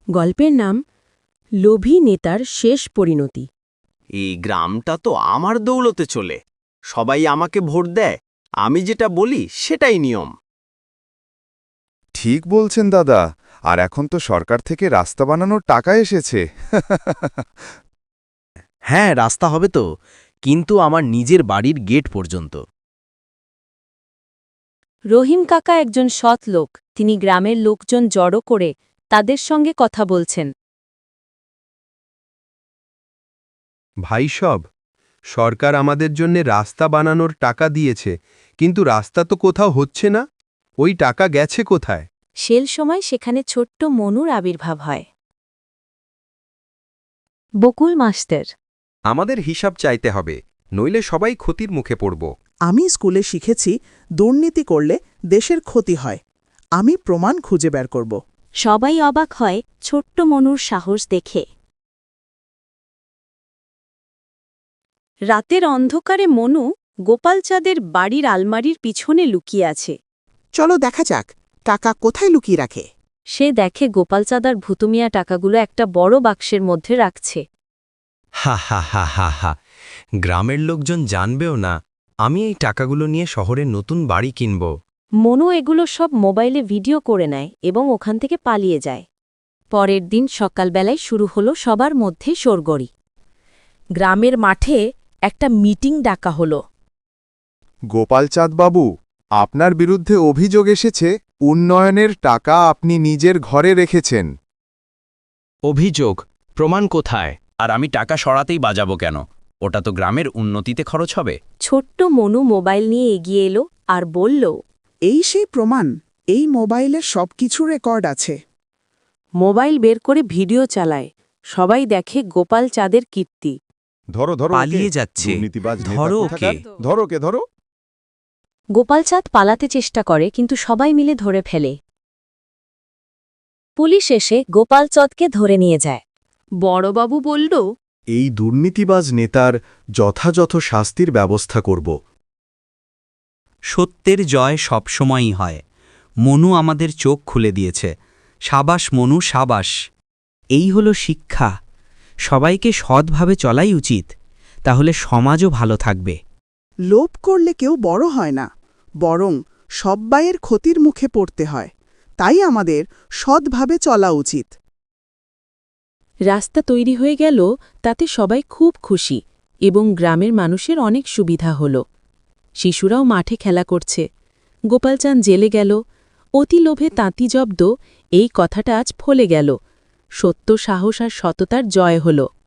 গল্পের নাম লোভী নেতার শেষ পরিণতি। এই গ্রামটা তো আমার দৌলতে চলে, সবাই আমাকে ভোট দেয়, আমি যেটা বলি সেটাই নিয়ম। ঠিক বলছেন দাদা, আর এখন তো সরকার থেকে রাস্তা বানানোর টাকা এসেছে। হ্যাঁ, রাস্তা হবে তো, কিন্তু আমার নিজের বাড়ির গেট পর্যন্ত। রহিম কাকা একজন সৎ লোক, তিনি গ্রামের লোকজন জড়ো করে তাদের সঙ্গে কথা বলছেন। ভাই সব, সরকার আমাদের জন্য রাস্তা বানানোর টাকা দিয়েছে, কিন্তু রাস্তা তো কোথাও হচ্ছে না। ওই টাকা গেছে কোথায়? সেল সময় সেখানে ছোট্ট মনুর আবির্ভাব হয়। বকুল মাস্টার। আমাদের হিসাব চাইতে হবে, নইলে সবাই ক্ষতির মুখে পড়ব। আমি স্কুলে শিখেছি দুর্নীতি করলে দেশের ক্ষতি হয়। আমি প্রমাণ খুঁজে বের করব। সবাই অবাক হয় ছোট্ট মনুর সাহস দেখে। রাতের অন্ধকারে মনু গোপালচাঁদের বাড়ির আলমারির পিছনে লুকিয়ে আছে। চলো দেখা যাক টাকা কোথায় লুকিয়ে রাখে। সে দেখে গোপালচাঁদার ভুতুমিয়া টাকাগুলো একটা বড় বাক্সের মধ্যে রাখছে। হা হা হা হা হা, গ্রামের লোকজন জানবেও না আমি এই টাকাগুলো নিয়ে শহরে নতুন বাড়ি কিনব। মনু এগুলো সব মোবাইলে ভিডিও করে নেয় এবং ওখান থেকে পালিয়ে যায়। পরের দিন সকালবেলায় শুরু হলো সবার মধ্যে শোরগড়ি। গ্রামের মাঠে একটা মিটিং ডাকা হলো। গোপালচাঁদ বাবু, আপনার বিরুদ্ধে অভিযোগ এসেছে উন্নয়নের টাকা আপনি নিজের ঘরে রেখেছেন। অভিযোগ? প্রমাণ কোথায়? আর আমি টাকা সরাতেই বাজাবো কেন? ওটা তো গ্রামের উন্নতিতে খরচ হবে। ছোট্ট মনু মোবাইল নিয়ে এগিয়ে এলো আর বলল, এই সেই প্রমাণ, এই মোবাইলে সবকিছু রেকর্ড আছে। মোবাইল বের করে ভিডিও চালায়। সবাই দেখে গোপালচাঁদের কীর্তি। ধরো ধরো, পালিয়ে যাচ্ছে। ধরো ওকে। ধরো কে ধরো। গোপালচাঁদ পালাতে চেষ্টা করে, কিন্তু সবাই মিলে ধরে ফেলে। পুলিশ এসে গোপালচাঁদকে ধরে নিয়ে যায়। বড়বাবু বলল, এই দুর্নীতিবাজ নেতার যথাযথ শাস্তির ব্যবস্থা করব। সত্যের জয় সবসময়ই হয়। মনু আমাদের চোখ খুলে দিয়েছে। সাবাস মনু, সাবাস। এই হলো শিক্ষা। সবাইকে সৎভাবে চলাই উচিত, তাহলে সমাজও ভালো থাকবে। লোভ করলে কেউ বড় হয় না, বরং সব্বাইয়ের ক্ষতির মুখে পড়তে হয়। তাই আমাদের সৎভাবে চলা উচিত। রাস্তা তৈরি হয়ে গেল, তাতে সবাই খুব খুশি এবং গ্রামের মানুষের অনেক সুবিধা হল। শিশুরাও মাঠে খেলা করছে। গোপালচাঁদ জেলে গেল। অতি লোভে তাঁতি জব্দ, এই কথাটা আজ ফলে গেল। সত্য, সাহস আর সততার জয় হল।